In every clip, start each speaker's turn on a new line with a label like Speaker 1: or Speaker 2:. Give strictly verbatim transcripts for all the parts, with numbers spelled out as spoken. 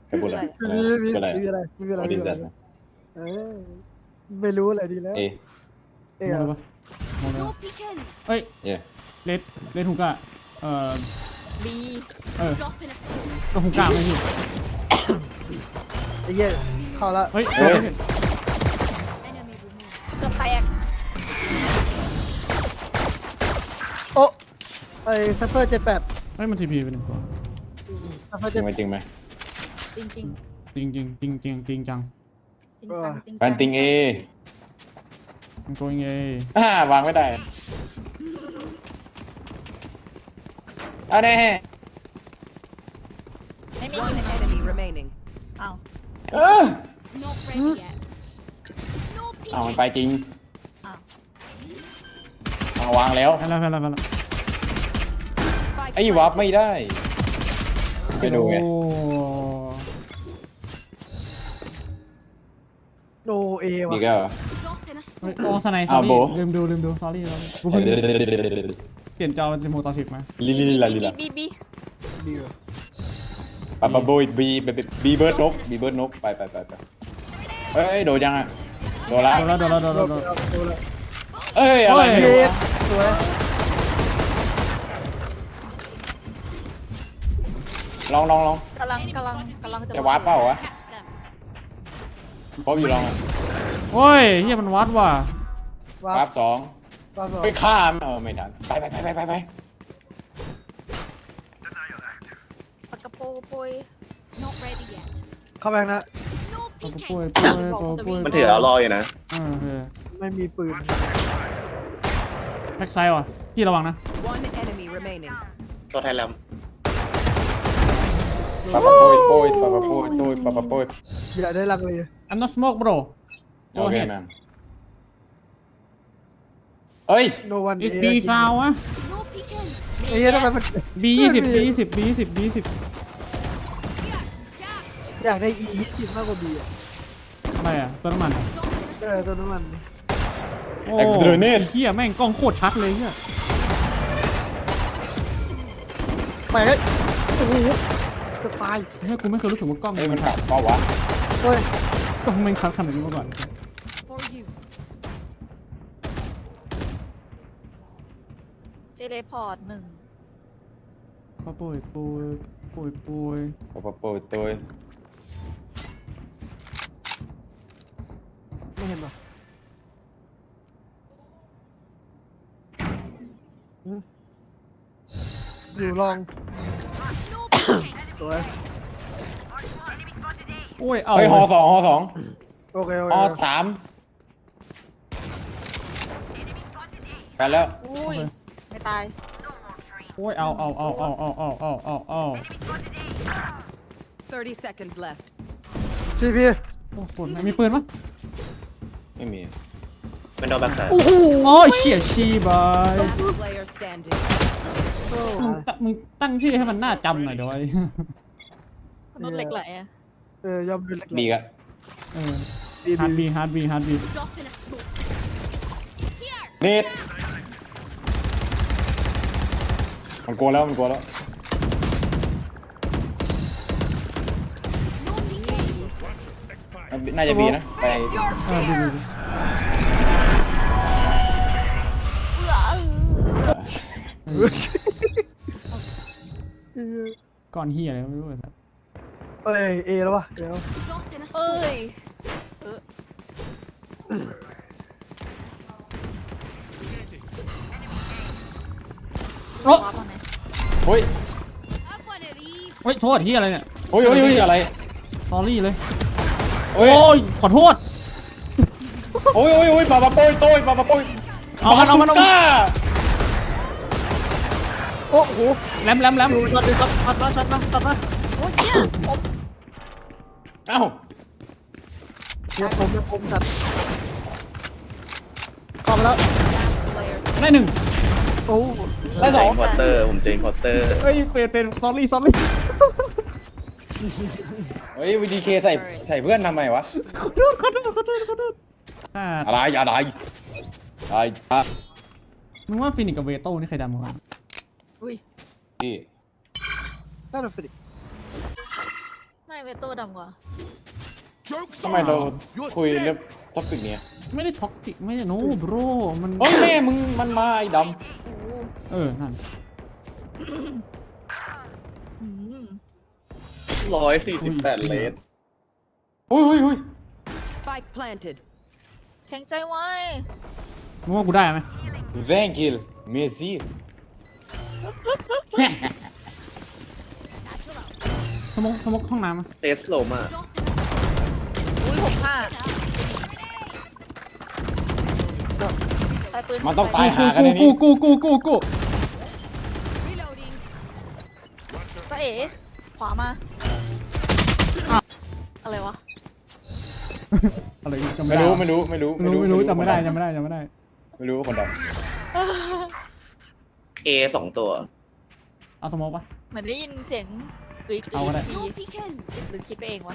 Speaker 1: ใครพูดอะไร
Speaker 2: ไม่มีไม่มีอะไรไม่มีอะไรไม่มีอะไรเออไม่รู้อะไรดีแล้ว
Speaker 1: เอ
Speaker 2: เอ๊ะ
Speaker 3: มองดูปะมองดูปะเฮ้ย
Speaker 1: เย่
Speaker 3: เลดเลดฮูก้าเอ่อ
Speaker 4: บี
Speaker 3: เออก็ฮูก้าไม่พี่
Speaker 2: ไอ้เหี้ยเข้าละ
Speaker 3: เฮ้ย
Speaker 1: เฮ้ย
Speaker 4: เกือบแตก
Speaker 2: โอ้ไอ้ซัฟเฟอร์เจ็ดแปด
Speaker 3: เฮ้ยมันทีพีไปหนึ่งตัว
Speaker 2: ซัฟเฟอร์
Speaker 1: จริ
Speaker 2: เจ็ด
Speaker 1: งไหมจริงไหม
Speaker 4: จริงจริง
Speaker 3: จริงจริงจริงจริงจริงจัง
Speaker 4: จริงจังจริง
Speaker 1: แฟนติงเอ
Speaker 3: มันโกงเอ
Speaker 1: อ่าวางไม่ได้เอาแน่
Speaker 4: ไม่มี
Speaker 5: One enemy remaining.
Speaker 4: อ้าว
Speaker 1: เออเอามันไปจริง
Speaker 4: อ้าว
Speaker 1: เอาวางแล้ว
Speaker 3: ไปแล้วไปแล้วไปแล้ว
Speaker 5: Spike
Speaker 1: ไอ้วับไม่ได้ไปดูไง
Speaker 3: โอ้
Speaker 2: โนเอวะ
Speaker 1: นี่ก็เหรอ
Speaker 3: เฮ้ยโอ้สไนส์ซอ
Speaker 1: อ้าวโบ
Speaker 3: รี่ลืมดูลืมดู sorry sorry กูเพิ่งเปลี่ยนจอเป็นโมต่อสิบมา
Speaker 1: ลิลิลิลาลิลา
Speaker 4: บีบี
Speaker 2: ดีวะ
Speaker 1: ปะปะโบยบีบีเบิร์ดนกบีเบิร์ดนกไปไปไปไปเอ้ยโดนยังอ่ะโดนละ
Speaker 3: โดนแล้วโดนแล้วโดน
Speaker 2: โด
Speaker 3: แล้ว
Speaker 2: น
Speaker 3: โดน
Speaker 2: โดนละ
Speaker 1: เอ้ยอะไร
Speaker 3: เฮ้
Speaker 1: เนี่ย
Speaker 2: เจ็ดสวย
Speaker 1: ลองลองลอง
Speaker 4: กำลังกำลังกำลังจะ
Speaker 1: จะวาร์ปเปล่าวะพบอยู่ลองอ่ะ
Speaker 3: โอ้ยเฮียมันวัดว่ะ
Speaker 2: วาร์
Speaker 1: วาร์
Speaker 2: ป
Speaker 1: ปสอง
Speaker 2: วาร์ปสอง
Speaker 1: ไปข้ามเออไม่ทันไปไปไปไปไปไป
Speaker 4: ปากกระโปโปย
Speaker 2: เข้าไปนะ
Speaker 3: โอ้ป่วยป่วยป่วยป่วย
Speaker 6: มันถือเอารออยู่นะ
Speaker 3: เออเออ
Speaker 2: ไม่มีปืน
Speaker 3: แบ็กไซด์ว่ะพี่ระวังนะ
Speaker 5: One enemy remaining.
Speaker 6: ตัวไทยแลม
Speaker 1: ปะปะโปยโปยปะปะโปยโปยปะปะโปย
Speaker 2: อย่าได้ลังเลย
Speaker 3: I'm not smoke bro
Speaker 1: โอเคแมนเอ้ย
Speaker 2: โนวัน
Speaker 3: it's B ซาวอะ
Speaker 2: ไอ้เหี้ยทำไมมัน
Speaker 3: B ยี่สิบ B ยี่สิบ B ยี่สิบ B ยี่สิบ
Speaker 2: อยากได้ E ยี่สิบมากกว่า B อ่ะ
Speaker 3: อะไรอ่ะตัวน้ำมันอะ
Speaker 2: เออตัวน้ำมัน
Speaker 3: โอ้ไอ้เหี้ยแม่งกล้องโคตรชัดเลยเหี้ย
Speaker 2: ไปเฮ้ยโอ้โหจะตาย
Speaker 3: เฮ้ยกูไม่เคยรู้สึกว่ากล้อง
Speaker 1: เอ้ย
Speaker 3: มั
Speaker 1: มัน
Speaker 3: น
Speaker 1: กลับเปล่าวะ
Speaker 2: เฮ้ย
Speaker 3: กล้องแม่งชัดขนาดนี้มาก่อน
Speaker 4: เทเลพอร์ตหนึ่ง
Speaker 3: ก็ป่วยป่วยป่วยป่วย
Speaker 1: ปะปะโปยโตย
Speaker 2: ไม่เห็นหรออยู่ลองสวย
Speaker 3: โอ้ยเอา
Speaker 1: เฮ้ยฮอสองฮอสอง
Speaker 2: โอเคโอ
Speaker 1: ฮ
Speaker 2: เค
Speaker 1: อสามไปแล้ว
Speaker 4: อุ้ยไม่ตาย
Speaker 3: โอ้ยเอาเอาเอาเอาเอาเอาเอาเอาเอา
Speaker 5: thirty seconds left.
Speaker 2: ทีพี
Speaker 3: โอ้โหมีปืนปะ
Speaker 1: ไม่มี
Speaker 6: เป็นดอแบ็กสาย
Speaker 2: โอ้โห
Speaker 3: โอ้ยเชี่ยชีบาย
Speaker 5: Last player standing.
Speaker 3: มึงตั้งมึงตั้งชื่อให้มันน่าจำหน่อยเดี๋ยวไอ้
Speaker 4: มนุษย์เหล็กไหลอะ
Speaker 2: เออยอมดูเล็ก
Speaker 1: บีกอะ
Speaker 3: เออ
Speaker 2: ดี
Speaker 3: ฮาร์ด
Speaker 2: บี
Speaker 3: บีฮาร์ดบีฮาร์ดบี
Speaker 1: เน็ตมันกลัวแล้วมันกลัวแล้วน่าจะบีนะไป
Speaker 3: เออบีบีบี
Speaker 4: เอื้อ
Speaker 3: เออก้อนเฮียอะไรก็ไม่รู้ไอ้สัส
Speaker 2: เอ้ยเอแล้ววะเดี๋ยว
Speaker 4: เอ้ย
Speaker 3: โอ้
Speaker 4: วาร์ปมาไหม
Speaker 1: เฮ้ย
Speaker 3: เฮ้ยโทษเฮียอะไรเนี่ย
Speaker 1: เฮ้ยเฮ้ยเฮ้ยอะไร
Speaker 3: สอรี่เลย
Speaker 1: เฮ้ย
Speaker 3: โอ้ยขอโทษ
Speaker 1: โอ้ยโอ้ยโอ้ยปะปะโปยโตยปะปะโปย
Speaker 3: เอามันเอามันเอามัน
Speaker 1: ก้า
Speaker 2: โอ้โห
Speaker 3: แหลมแหลมแหลม
Speaker 2: อยู่ช็อตดิครับช็อตมาช็อตมาช็อตมา
Speaker 4: โอ้ยเชี่ยผม
Speaker 1: เอ้า
Speaker 2: เดี๋ยวผมเดี๋ยวผมจัดเข้าไปแล้ว
Speaker 3: ได้หนึ่ง
Speaker 2: โอ้
Speaker 1: ได้สอง
Speaker 6: พอตเตอร์ ผมเจนพอตเตอร์
Speaker 3: เฮ้ยเป็นเป็นสอรี่สอรี่
Speaker 1: เฮ้ยวีดีเคใส่ใส่เพื่อนทำไมวะ
Speaker 3: ขอโทษขอโทษขอโทษขอโทษอ่า
Speaker 1: อะไรอะไรอะไรอ่ะ
Speaker 3: มึงว่าฟินิกกับเวโต้นี่ใครดำกว่ากัน
Speaker 4: อุ้ย
Speaker 1: พี่
Speaker 2: น่าจะฟินิก
Speaker 4: ไม่ไม่เวโต้ดำกว่า
Speaker 1: ทำไมเราคุยเรื่องท็อปิกเนี้ย
Speaker 3: ไม่ได้ท็อกซิกไม่ได้โน้บรมัน
Speaker 1: โอ้ยแม่มึงมันมาไอ้ด
Speaker 4: โอ้โห
Speaker 3: เออนั่น
Speaker 4: อืม
Speaker 6: ร้อยสี่สิบแปดเลส
Speaker 1: ำอุ้ยอุ้ยอุ้ย
Speaker 5: Spike planted.
Speaker 4: แข็งใจไว้
Speaker 3: มึงว่ากูได้ไหม
Speaker 1: แซงคิลเมซี่
Speaker 3: สมกสมกห้องน้ำอะ
Speaker 6: เตสโลมา
Speaker 4: อุ้ยหกห้าตายปืน
Speaker 1: มันต้องตายหากันใน
Speaker 3: กู
Speaker 1: นี้
Speaker 3: กูกูกูกู
Speaker 4: ตาเอ๋ขวามาอะไรวะ
Speaker 3: อะไรจำ
Speaker 1: ไม่
Speaker 3: ไม่ได้
Speaker 1: รู้ไม่รู้ไม่รู้
Speaker 3: ไม่รู้ไม่รู้จำไม่ได้จำไม่ได้จำไม่ได้
Speaker 1: ไม่รู้ว่าคนด
Speaker 6: เอสองตัว
Speaker 3: เอาสมกปะ
Speaker 4: เหมือนได้ยินเสียงกรี๊ดกรี๊
Speaker 3: เอาก็ได้
Speaker 4: ดหรือคิดไปเองวะ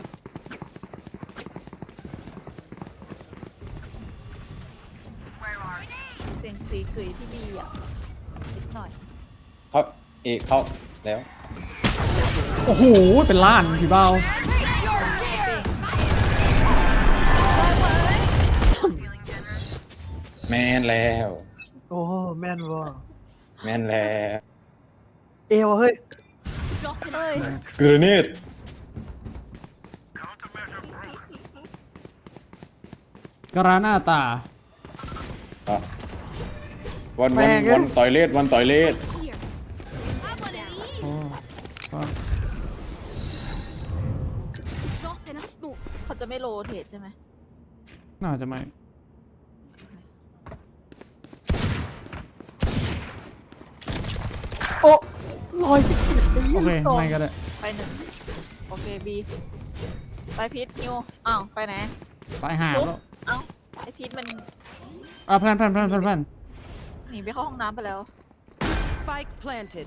Speaker 4: เสียงสีกรี๊ดที่ดีอ่ะนิดหน่อย
Speaker 1: ำเขาเอกเขาแล้ว
Speaker 3: โอ้โหเป็นล้านพี่เบา
Speaker 1: แมนแล้ว
Speaker 2: โอ้แม่นว่ะ
Speaker 1: แมนแล้ว
Speaker 2: เอวเฮ้ย
Speaker 4: เฮ้ย
Speaker 1: กรเนต
Speaker 3: กราหน้าตา
Speaker 1: อ่ะวันวันวันต่อยเลดวันต่อยเลด
Speaker 3: โอ้ก็
Speaker 4: เขาจะไม่โรเทตใช่ไหม
Speaker 3: น่าจะไม่
Speaker 2: โอ้ร้อยสิบเอ็ดไอ้
Speaker 3: โอ
Speaker 2: ยี่
Speaker 3: เค
Speaker 2: สิบสอง
Speaker 3: ไม่ก็ได้
Speaker 4: ไปหนึ่งโอเคบีไปพีทนิวอ้าวไปไหน
Speaker 3: ตายหาแล้ว
Speaker 4: เอ้าไอพีทมัน
Speaker 3: อ่ะแพลนแพลนแพลนแพลนแพลน
Speaker 4: หนีไปเข้าห้องน้ำไปแล้ว
Speaker 5: Spike planted.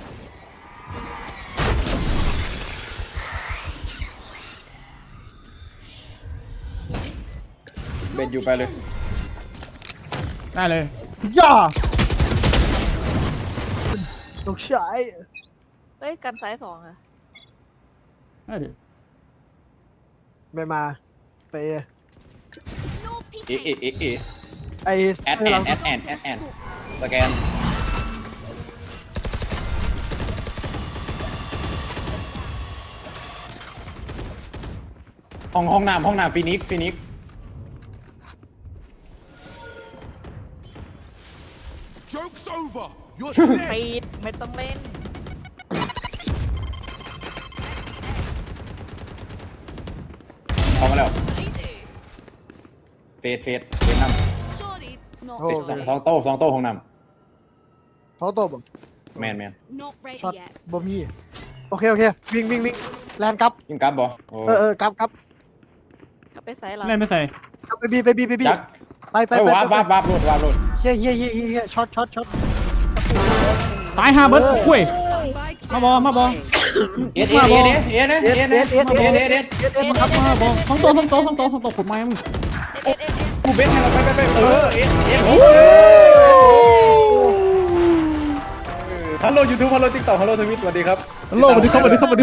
Speaker 1: เบนอยู่ไปเลย
Speaker 3: ได้เลยย่า
Speaker 2: ลูกชาย
Speaker 4: เฮ้ยกันซ้ายสองอะ
Speaker 3: ได้ดิ
Speaker 2: ไม่มาไปเอ
Speaker 1: เอเอเอเอ
Speaker 2: ไอ
Speaker 1: แอดแอนแอดแอนแอดแอนสแกนห้องห้องน้ำห้องน้ำฟินิกฟินิก
Speaker 7: Joke's over. You're
Speaker 4: พีทไม่ต้องเล่น
Speaker 1: เข้ามาแล้วเฟสเฟสเฟสน้ำ
Speaker 2: โอ้
Speaker 1: เฟสสองสองโต้สองโต้ห้องน้
Speaker 2: เขาตบ
Speaker 1: ำแมนแมน
Speaker 2: ช็อตบอมี่โอเคโอเควิ่งวิ่งวิ่งแลนด์ครับ
Speaker 1: ยิงกลับบ่โอ้
Speaker 2: เออเออครับครับ
Speaker 4: กลับไปซ้ายเรา
Speaker 3: เล่นไม่ใส่
Speaker 2: ครับไปบีไปบีไปบี
Speaker 1: จัก
Speaker 2: ไปไป
Speaker 1: ไป
Speaker 2: ไป
Speaker 1: วาบวาบวาบโหลดวาบโหลด
Speaker 2: เฮียเฮียเฮียเฮียช็อตช็อตช็อต
Speaker 3: ตายหาเบิร์ดคุย
Speaker 5: Spike
Speaker 3: มาบอมาบอ
Speaker 1: เอ็ดเอ็ดเอ็ดเอ็ดเอ็ด
Speaker 2: เอ
Speaker 1: เอ็
Speaker 2: ส
Speaker 1: ด
Speaker 2: เอ
Speaker 1: เอ็ด
Speaker 2: ส
Speaker 1: เอ็ด
Speaker 2: เอสเอ
Speaker 1: เอ็
Speaker 2: ส
Speaker 1: ด
Speaker 2: เอ
Speaker 1: เอ็ด
Speaker 2: ส
Speaker 1: เอ็ด
Speaker 2: เอสเอส
Speaker 3: ครับมาบอสองตัวสองตัวสองตัวสองตัวขุดไม้มึง
Speaker 4: เอ็ดเอ็ดเอ็ดเอ็ด
Speaker 1: กูเบสให้เราไปไปไปเออเอ็ดเอ็ดฮัลโหลยูทูบฮัลโหลติ๊กต็อกฮัลโหลทวิตสวัสดีครับ
Speaker 3: โลกสวัสดีครับสวัสดีครับสวัสดี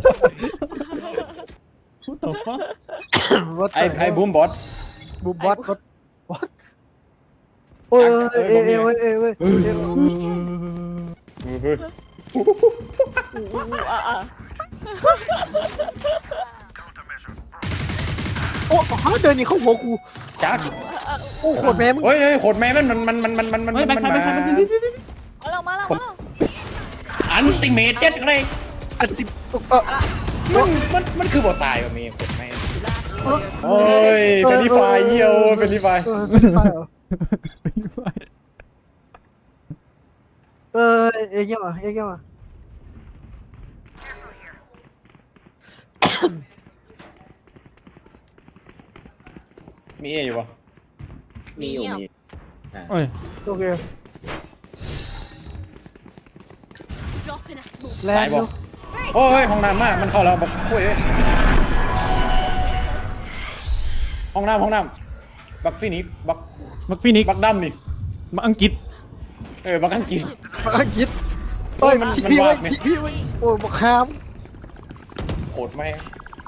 Speaker 3: พูดต่อฟ้า
Speaker 1: ไอไอบูมบอส
Speaker 2: บูมบอสบอสบอสโอ้ยเอเอเอเอเอเอ
Speaker 1: เฮ้ย
Speaker 4: อู้อู้อ่ะอ่ะ
Speaker 2: โอ้ฮะเดินนี่เข้าหัวกู
Speaker 1: จัก
Speaker 2: โอ้โคตรแม่มึง
Speaker 1: เฮ้ยเฮ้ยโคตรแม่มันมันมันมันมันมัน
Speaker 3: เฮ้ยแบ็ค
Speaker 1: มัน
Speaker 3: ไซด์แบ็คไซด์แบ็คไซด์
Speaker 4: มาแล้วมาแล้วมาแล้ว
Speaker 1: อันติเมตเจ็ดเลย
Speaker 2: อันติเออ
Speaker 1: มันมันมันคือบ่ตายว่ะมีโคตรแม่
Speaker 2: เออ
Speaker 1: โอ้ยเฟรนไฟเยี่ยวเฟรนไฟ
Speaker 2: เออเป็นไฟเหรอเออเอ็งยังอ่ะเอ็งยังอ่ะ
Speaker 1: มีเออยู่ปะ
Speaker 6: มีอยู่มี
Speaker 3: เอ้ย
Speaker 2: โอเคแล
Speaker 1: ตาน ย
Speaker 2: ด์
Speaker 1: บ
Speaker 2: อ
Speaker 1: อยู่ โอ้ยห้องน้ำมากมันเข้าแล้วบอกคุยเลยห้องน้ำห้องน้ำบักฟินิกบัก
Speaker 3: มักฟินิก
Speaker 1: บักดำนี่
Speaker 3: มักอังกฤษ
Speaker 1: เออบักอังกฤษ
Speaker 2: มาอังกฤษเอ้ย
Speaker 1: มัน
Speaker 2: ทิ้ง
Speaker 1: มัน
Speaker 2: พี่ไว้
Speaker 1: วาดไหม
Speaker 2: ทิ้งพี่ไว้โอ้ยบอกคาม
Speaker 1: โคตรแม่ง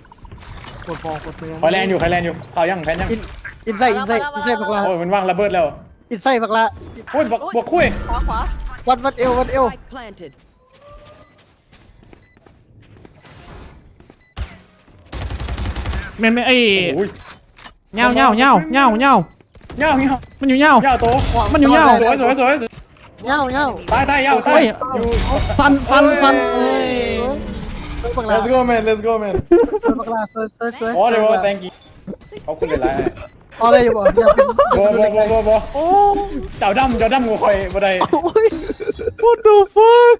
Speaker 2: กดฟองกดเมือง
Speaker 1: คอยแลนอยู่คอยแลนอยู่เขายังแพนยัง
Speaker 2: อินอินไซด์อินไซด์อินไซด์บักลา
Speaker 1: โอ้ยมันวางระเบิดแล้ว
Speaker 2: อินไซด์บักลา
Speaker 1: โอ้ยบวกบวกคุย
Speaker 4: ขวาขวา
Speaker 2: วัดวัดเอววัดเอว
Speaker 5: Spike planted.
Speaker 3: แม่นไม่ไอ้
Speaker 1: โอ้ย
Speaker 3: เงาเงาเงาเงาเงา
Speaker 1: เงาเงา
Speaker 3: มันอยู่เงา
Speaker 1: เงาโต
Speaker 3: มันอยู่เงา
Speaker 1: สวยสวยสวย
Speaker 2: เงาเงา
Speaker 1: ตายตายเงาตา
Speaker 3: เฮ้
Speaker 1: ย
Speaker 3: ย
Speaker 1: อยู่
Speaker 3: ฟันฟันฟันเอ้ย
Speaker 2: สวยบักลา
Speaker 1: let's go man let's go man
Speaker 2: สวยบักลาสวยสวยสวย
Speaker 1: อ๋อเลยว่า thank you เขาคุณเลยไร
Speaker 2: เอาอะไรอยู่บ่อย่าเป็น
Speaker 1: บอบอบอบอบอ
Speaker 2: โอ้
Speaker 1: เจ้าดำเจ้าดำกูคอยบ่ได้
Speaker 2: โอ้ย
Speaker 3: what the fuck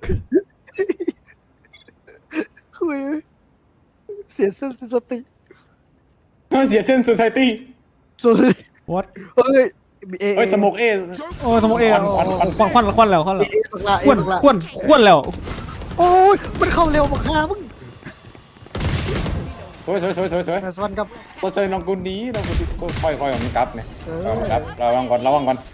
Speaker 2: คุยเสียเส้นสติ
Speaker 1: เสียเส้น society
Speaker 2: สวย
Speaker 3: what
Speaker 2: เฮ้ยเอ
Speaker 1: เฮ้ยสมกเอ
Speaker 3: โอ้ยสมองเอ
Speaker 1: ควันควัน
Speaker 3: ควันควันควันแล้วควัน
Speaker 2: เอ
Speaker 3: แล้ว
Speaker 2: เอบักลาเอ
Speaker 3: ควน
Speaker 2: บักลา
Speaker 3: ควนควนแล้ว
Speaker 2: โอ้ยมันเข้าเร็วบักลามึง
Speaker 1: สวยสวยสวยสวยสวย
Speaker 2: แต่สวรรค์กับ
Speaker 1: ก็เซยน้องกูนี้น้องกูก็ค่อยค่อยของมันกลับเนี่ย
Speaker 2: เออ
Speaker 1: เอามันกลับระวังก่อนระวังก่อน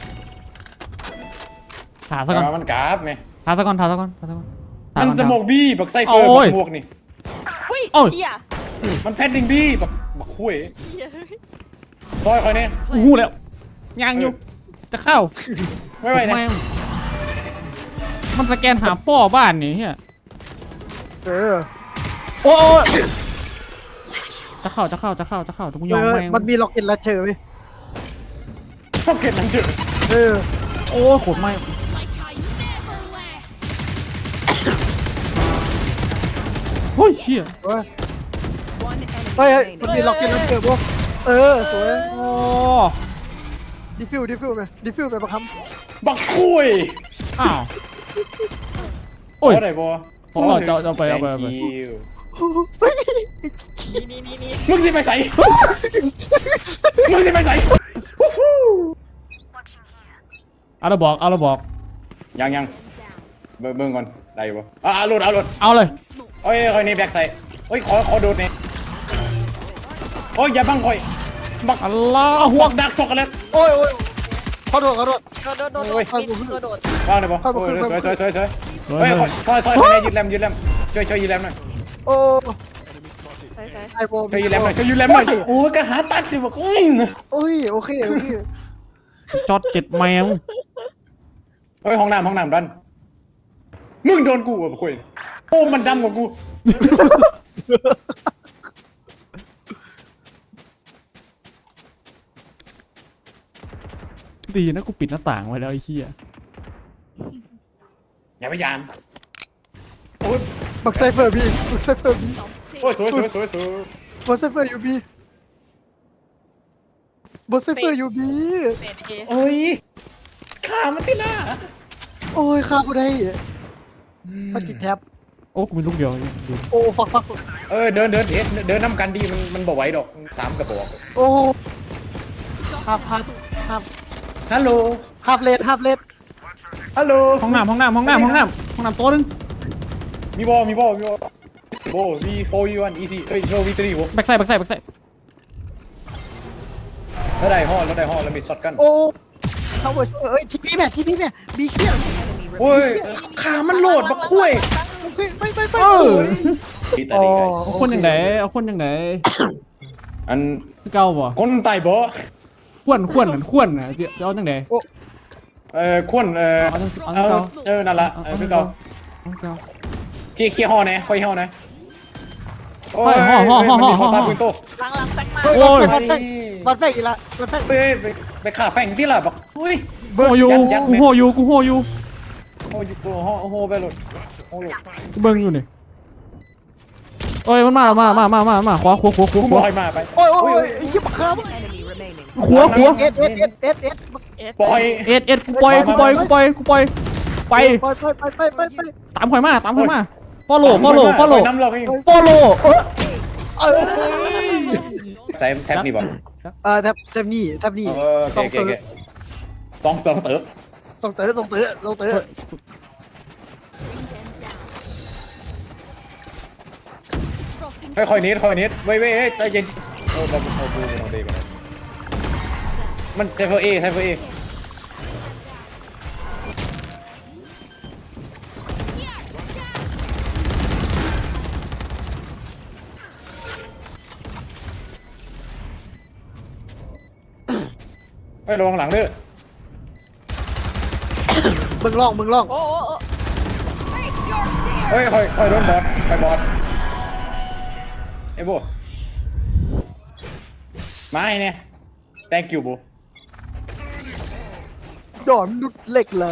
Speaker 3: ถาซะก่อน
Speaker 1: เอามันกลับเนี่ย
Speaker 3: ถาซะก่อนถาซะก่อนถาซะก่อนถา
Speaker 1: มัน
Speaker 3: ก่อน
Speaker 1: สมกบี้บักไซเฟอร์
Speaker 3: โอ้
Speaker 1: บั
Speaker 3: ย
Speaker 1: กหมวกนี่
Speaker 4: อุ้ย
Speaker 3: โอ้ย
Speaker 4: เชี่ย
Speaker 1: มันแพดดิ้งบี้บักบักคุย
Speaker 4: เชี่ย
Speaker 1: ซอยคอยเนี่ย
Speaker 3: กูหูแล้วยางอยู่จะเข้า
Speaker 1: ไม่ไหวเนี่ย
Speaker 3: แม่งมันสแกนหาป้อบ้านนี่เฮีย
Speaker 2: เออ
Speaker 3: โอ้ยจะเข้าจะเข้าจะเข้าจะเข้าทุกยอม
Speaker 2: เออ
Speaker 3: แม่ง
Speaker 2: มันมีล็อกอินลัดเชอร์ไหม
Speaker 1: พวกเก็ตนั่นเฉย
Speaker 2: เออ
Speaker 3: โอ้ยโคตรไม่โอ้ยเชี่ย
Speaker 2: เฮ้ย
Speaker 5: One enemy
Speaker 2: เฮ้ยเฮ้ยมันมี
Speaker 5: remaining.
Speaker 2: ล็อกอินลัดเชอร์พวกเออสวย
Speaker 3: โอ้
Speaker 2: ดิฟิวดิฟิวไปดิฟิวไปประค
Speaker 1: บักคุย
Speaker 3: อ้าวโอ้ย
Speaker 1: เอาไหนบอ
Speaker 3: ผมเอาเอาเอาไปเอาไปเอาไป
Speaker 1: Thank you
Speaker 2: ำเฮ้ย
Speaker 4: นี่นี่นี่นี่
Speaker 1: มึงสิไปใส่มึงสิไปใส่
Speaker 3: เอาละบอกเอาละบอก
Speaker 1: ยังยังเบิ่งเบิ่งก่อนได้อยู่ปะอ่ะเอาหลุดเอาหลุด
Speaker 3: เอาเลย
Speaker 1: โอ้ยคอยนี่แบกใส่โอ้ยขอขอดูดนี่โอ้ยอย่าบังคอยบัก
Speaker 3: อัลลอฮ์
Speaker 1: พวกดักช็อกโกแลต
Speaker 2: โอ้ยโอ้ยขอโทษขอโทษ
Speaker 4: โดดโดดโดดโด
Speaker 1: โอ้ย
Speaker 4: ดปิดโดดโดด
Speaker 1: ว่างเลยปะ
Speaker 2: เข้ามา
Speaker 1: โอ้ย
Speaker 2: ขึ้น
Speaker 1: สวยสวยสวยสวย
Speaker 3: สวย
Speaker 1: เฮ้ย
Speaker 3: เลย
Speaker 1: ซอยซอยคอยเนี่ยยืดแรมยืดแรมช่วยช่วยยืดแรมหน่อย
Speaker 2: โอ้
Speaker 4: ใส่ใส่
Speaker 2: ไอโบ
Speaker 1: ช่วยยืดแรมหน่อยช่วยยืดแรมหน่อยโอ้ยก็หาตัดอยู่บอกอุ้ย
Speaker 2: โอ้ยโอเคโอเค
Speaker 3: จอดเจ็ดแมว
Speaker 1: เฮ้ยห้องน้ำห้องน้ำดันมึงโดนกูอ่ะคุยโอ้มันดำกว่ากู
Speaker 3: ดีนะกูปิดหน้าต่างไว้แล้วไอ้เหี้ย
Speaker 1: อย่าพยายามโอ้ย
Speaker 2: บักไซเฟอร์บีบักไซเฟอร์บี
Speaker 1: โอ้ยสวยสวยสวยสวย
Speaker 2: บักไซเฟอร์ยูบีบักไซเฟอร์ยูบี
Speaker 4: เฟดเอ
Speaker 1: โอ้ยขามันติล่า
Speaker 2: โอ้ยข้ากูได้มันติดแท็บ
Speaker 3: โอ้กูมีลูกเดียวดี
Speaker 2: โอ้ฟักฟัก
Speaker 1: เออเดินเดินเทสเดินน้ำกันดีมันมันบอกไหวดอกสามกระบอก
Speaker 2: โอ้ฮับฮับฮับ
Speaker 1: ฮัลโหล
Speaker 2: ฮับเลดฮับเลด
Speaker 1: ฮัลโหล
Speaker 3: ห้องน้ำห้องน้ำห้องน้ำห้องน้ำห้องน้ำโต๊ะนึง
Speaker 1: มีบอลมีบอลมีบอลโบ V โฟร์ V วัน easy เอ้ยโชว์ V ทรีโบ
Speaker 3: แบ็กไซด์แบ็กไซด์แบ็กไซด์
Speaker 1: แล้วได้ห่อแล้วได้ห่อแล้วมีช็อตกัน
Speaker 2: โอ้เขาเว้ยเอ้ยทีพีแม่ทีพีแม่บีเขี้ยว
Speaker 1: โอ้ยขามันโหลดมาคุย
Speaker 2: โอเคไปไปไป
Speaker 3: เออ
Speaker 1: ดีแต่ดีไง
Speaker 3: เอาคนอย่างไหนเอาคนอย่างไหน
Speaker 1: อัน
Speaker 3: คือเก่าบ่
Speaker 1: คนไต่บ่
Speaker 3: ขวนขวนเหมือนขวนนะจะเอาจังไหน
Speaker 1: เอ่อควนเอ่อ
Speaker 3: เอาจังเอา
Speaker 1: เอา
Speaker 3: จังเก่า
Speaker 1: เออนั่นละเออคือเก่า
Speaker 3: เอาจังเก่า
Speaker 1: เคี่ยเคี่ยห่อนะค่อยห่อนะโอ้ย
Speaker 3: ห่อห่อห่อห่อ
Speaker 1: มันมีเข้าตาปืนโต
Speaker 4: หลังหลังแฟงมา
Speaker 2: เฮ้ย
Speaker 3: โอ้ย
Speaker 2: บัตรแฟงบัตรแฟงอีกละบัตรแฟง
Speaker 1: ไปไปไปขาแฝงที่ละบอกเฮ้ย
Speaker 3: โหอยู่
Speaker 1: ยัดยัด
Speaker 3: กู
Speaker 1: แม่
Speaker 3: โหอยู่กูโหอยู่
Speaker 1: โอ้ยโอ้โหโอ้โหไปหลดโอ้โห
Speaker 3: กูเบิ่งอยู่นี่โอ้ยมันมาแล้วมามามามามาขวาขวาขวาข
Speaker 1: กู
Speaker 3: วาข
Speaker 1: บ
Speaker 3: วา
Speaker 1: อยมาไป
Speaker 2: โอ้ยโอ้ยไอ้ยี่ปะครับ
Speaker 5: Enemy remaining.
Speaker 3: ขวาขวา
Speaker 2: เอสเอสเอสเอสเอส
Speaker 4: เอส
Speaker 1: ปล่อย
Speaker 3: เอ็ดเอ็ดกูปล่อยกูปล่อยกูปล่อยกูปล่อยไป
Speaker 2: ไปไปไปไปไป
Speaker 3: ตามข่อยมาตามข่อยมาฟอลโล่ฟอลโล่ฟอลโล่
Speaker 1: น้ำเราเอง
Speaker 3: ฟอลโล่เออ
Speaker 2: เออ
Speaker 1: ใส่แท็บนี่บ่
Speaker 2: เออแทบแทบนี่แทบนี่
Speaker 1: เออโอเคโอเคสองสองเติบ
Speaker 2: ส่งเต๋อส่งเต๋อส่งเต๋อ
Speaker 1: ค่อยๆนิดค่อยๆนิดเว้ยเว้ยใจเย็นโอ้เราเอาดูเราดีกันมันไซเฟอร์เอไซเฟอร์เอไม่ระวังหลังเด้อ
Speaker 2: มึงล่องมึงล่อง
Speaker 4: โอ้โอ้โอ้
Speaker 1: เฮ้ยคอยคอยโดนบอสไปบอสไอ้โบมาไอ้เนี่ย thank you โบ
Speaker 2: ดอนดุดเหล็กเลย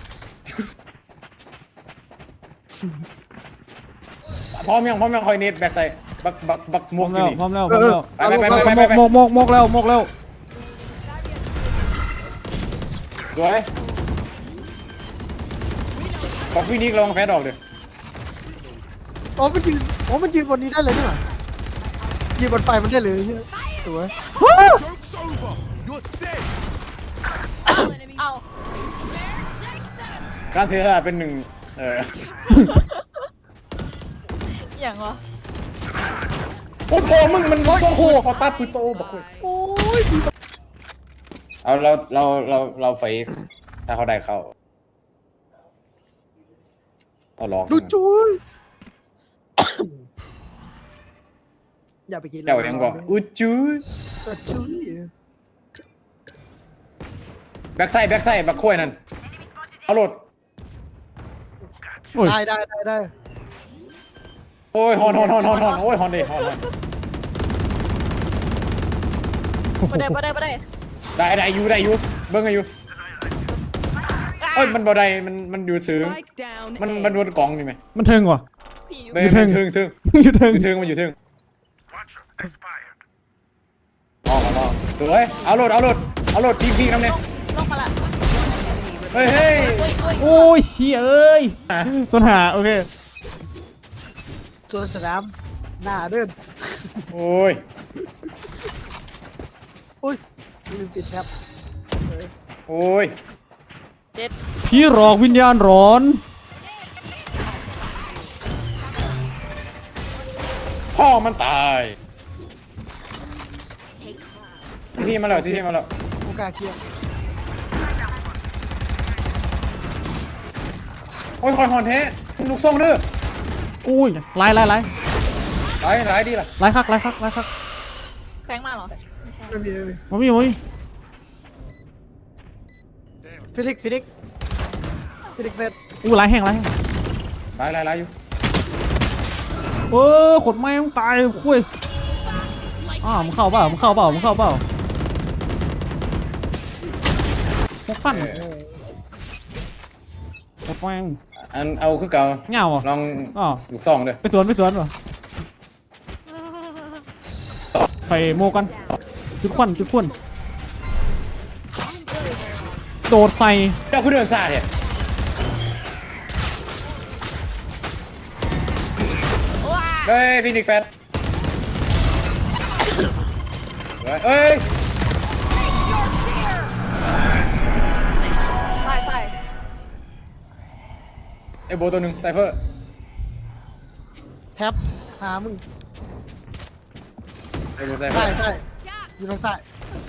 Speaker 1: พร้อมยังพร้อมยังคอยเน็ตแบกใส่บักบักบัก
Speaker 3: พ
Speaker 1: ม
Speaker 3: ร้
Speaker 1: ว
Speaker 3: อก ม
Speaker 1: อยู่
Speaker 3: แล้ว
Speaker 1: นี่
Speaker 3: พร้อมแล้วพร้อมแล้ว
Speaker 1: ไปไปไปไปไปไป
Speaker 3: มกมกมกแล้วมกแล้ว
Speaker 1: สวยบอกพี่นิกลองแฟดออกเดี๋ยว
Speaker 2: อ๋อมันยืนอ๋อมันยืนบนนี้ได้เลยนี่หว่ายืนบนไฟมันได้เลยเนี่ยสวย
Speaker 7: Joke's over. You're dead.
Speaker 4: เอา
Speaker 1: การเสียสละเป็นหนึ่งเออ
Speaker 4: อย่างวะ
Speaker 1: โอ้โหมึงมันโอ้โหพอตาปืนโตบอกเลย
Speaker 2: โอ้ย
Speaker 1: เอาเราเราเราเราไฟถ้าเขาได้เข้าเอาลอง
Speaker 2: ดูจุยอย่าไปกิน
Speaker 1: เจ้ายังก่อนอุดจู
Speaker 2: ดูจุย
Speaker 1: แบ็กไซด์แบ็กไซด์บักคุ้ยนั่นเอาโหลด
Speaker 3: โอ้ย
Speaker 2: ได้ได้ได้ได้
Speaker 1: โอ้ยฮอนฮอนฮอนฮอนฮอนโอ้ยฮอนดิฮอนฮอน
Speaker 4: บ่ได้บ่ได้บ่ได้
Speaker 1: ได้ได้อยู่ได้อยู่เบิ้งไงอยู่เอ้ยมันบ่ได้มันมันอยู่ซื้อ
Speaker 5: Spike down.
Speaker 1: มัน
Speaker 5: A.
Speaker 1: มันบนกล่องนี่ไหม
Speaker 3: มันเทิงว่ะ
Speaker 4: พี่อยู่
Speaker 1: เบ้มันถึงถึง
Speaker 3: อยู่เทิง
Speaker 1: อยู่ถึงมันอยู่ถึงลองลองสวยเอาโหลดเอาโหลดเอาโหลดพีพีน้ำเนี่ย
Speaker 4: ลงมาละ
Speaker 1: เฮ้ยเฮ้ย
Speaker 4: โอ้ยโอ้ย
Speaker 3: โอ้ยเฮียเอ้ย
Speaker 1: อ่ะ
Speaker 3: ต้นหาโอเค
Speaker 2: ส่วนสนามหน้าเดิน
Speaker 1: โอ้ย
Speaker 2: อุ้ยลืมติดแท็บ
Speaker 1: โอ้ย
Speaker 4: เจ็ด
Speaker 3: พี่หลอกวิญญาณร้อน
Speaker 1: พ่อมันตายซีทีมาแล้วซีทีมาแล้ว
Speaker 2: โอกาสเคลียร์
Speaker 1: โอ้ยคอยฮอนเทลูกส่งเด้อ
Speaker 3: อุ้ยไล่ไล่ไล่
Speaker 1: หลายหลายดีล่ะ
Speaker 3: ไล่คักไล่คักไล่คัก
Speaker 4: แฟงมาเหรอไม่ใช่
Speaker 2: ไม่มีไม่มี
Speaker 3: มามีมามี
Speaker 2: ฟิลิกฟิลิกฟิลิกเฟส
Speaker 3: อู้ไล่แห้งไล่แห้ง
Speaker 1: หลายหลายหลายอยู่
Speaker 3: เออขดไม้มึงตายคุยอ้าวมึงเข้าเปล่ามึงเข้าเปล่ามึงเข้าเปล่าพวกปั้นขดไม้
Speaker 1: อันเอาคือเก่า
Speaker 3: เงาอ่ะ
Speaker 1: ลอง
Speaker 3: อ๋อ
Speaker 1: ลูกส่งเด้อ
Speaker 3: ไปสวนไปสวนป่ะไปโมกันจุดควันจุดควันโดดไฟ
Speaker 1: เจ้าคือเดินซาเนี่ยเฮ้ยฟินิกแฟตเฮ้ย
Speaker 4: ใส่ใส่
Speaker 1: ไอ้โบตัวหนึ่งไซเฟอร์
Speaker 2: แท็บหามึง
Speaker 1: ไอ้โบไซเฟอ
Speaker 2: ใส่
Speaker 1: ร์
Speaker 2: ใส่อยู่ทางซ้าย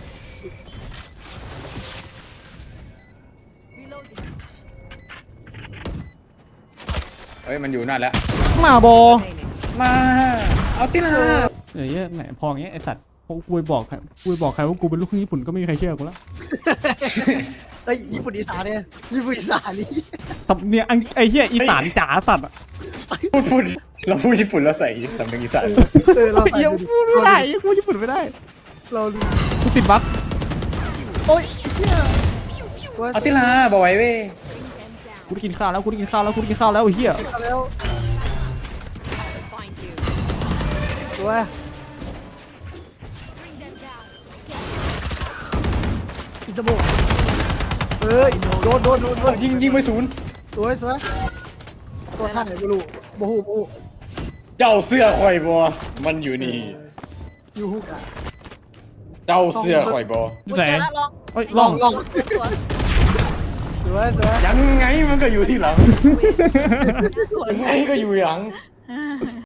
Speaker 1: เฮ้ยมันอยู่นั่นแล้ว
Speaker 3: มาบอ
Speaker 1: มาเอาติล่ะ
Speaker 3: เดี๋ยวเหี้ยไหนพออย่างเงี้ยไอสัตว์พอกูไปบอกใครกูไปบอกใครว่ากูเป็นลูกครึ่งญี่ปุ่นก็ไม่มีใครเชื่อกูแล้ว
Speaker 2: เอ้ยญี่ปุ่นอีสานเนี่ยญี่ปุ่นอีสานนี่
Speaker 3: ตบเนี่ยอังไอเหี้ยอีสานจ๋าสัตว์อะ
Speaker 1: พูดพูดเราพูดญี่ปุ่นแล้วใส่สำเนียงอีสาน
Speaker 2: เออเราใส่
Speaker 3: เหี้ย
Speaker 2: ดูดิ
Speaker 3: พูดไม่ได้กูญี่ปุ่นไม่ได้
Speaker 2: เราดู
Speaker 3: กูติดบั๊ก
Speaker 2: โอ้ยเฮีย
Speaker 1: เอาติล่ะบอกไว้เว้ย
Speaker 3: กูได้กินข้าวแล้วกูได้กินข้าวแล้วกูได้กินข้าวแล้วไอ้เหี้ย
Speaker 2: เอาแล้ว
Speaker 5: Find you.
Speaker 2: ตัวอิซาโบเอ้ยโดนโดนโดนโดน
Speaker 1: ยิงยิงไปศูนย์
Speaker 2: สวยสวยตัวท่าไหนไม่รู้บูฮูบู
Speaker 1: เจ้าเสื้อข่อยบอมันอยู่นี่
Speaker 2: ยูฮูกะ
Speaker 1: เจ้าเสื้อข่อยบอ
Speaker 3: อยู่
Speaker 4: กู
Speaker 3: ไหน
Speaker 4: เจอแล้วลอง
Speaker 3: เอ้ย
Speaker 2: ล
Speaker 3: ล
Speaker 2: อ
Speaker 3: อง ง
Speaker 2: ลอง
Speaker 4: สวน
Speaker 2: สวยสวย
Speaker 1: ยังไงมันก็อยู่ที่หลัง
Speaker 4: สวน
Speaker 1: ยังไงก็อยู่หลัง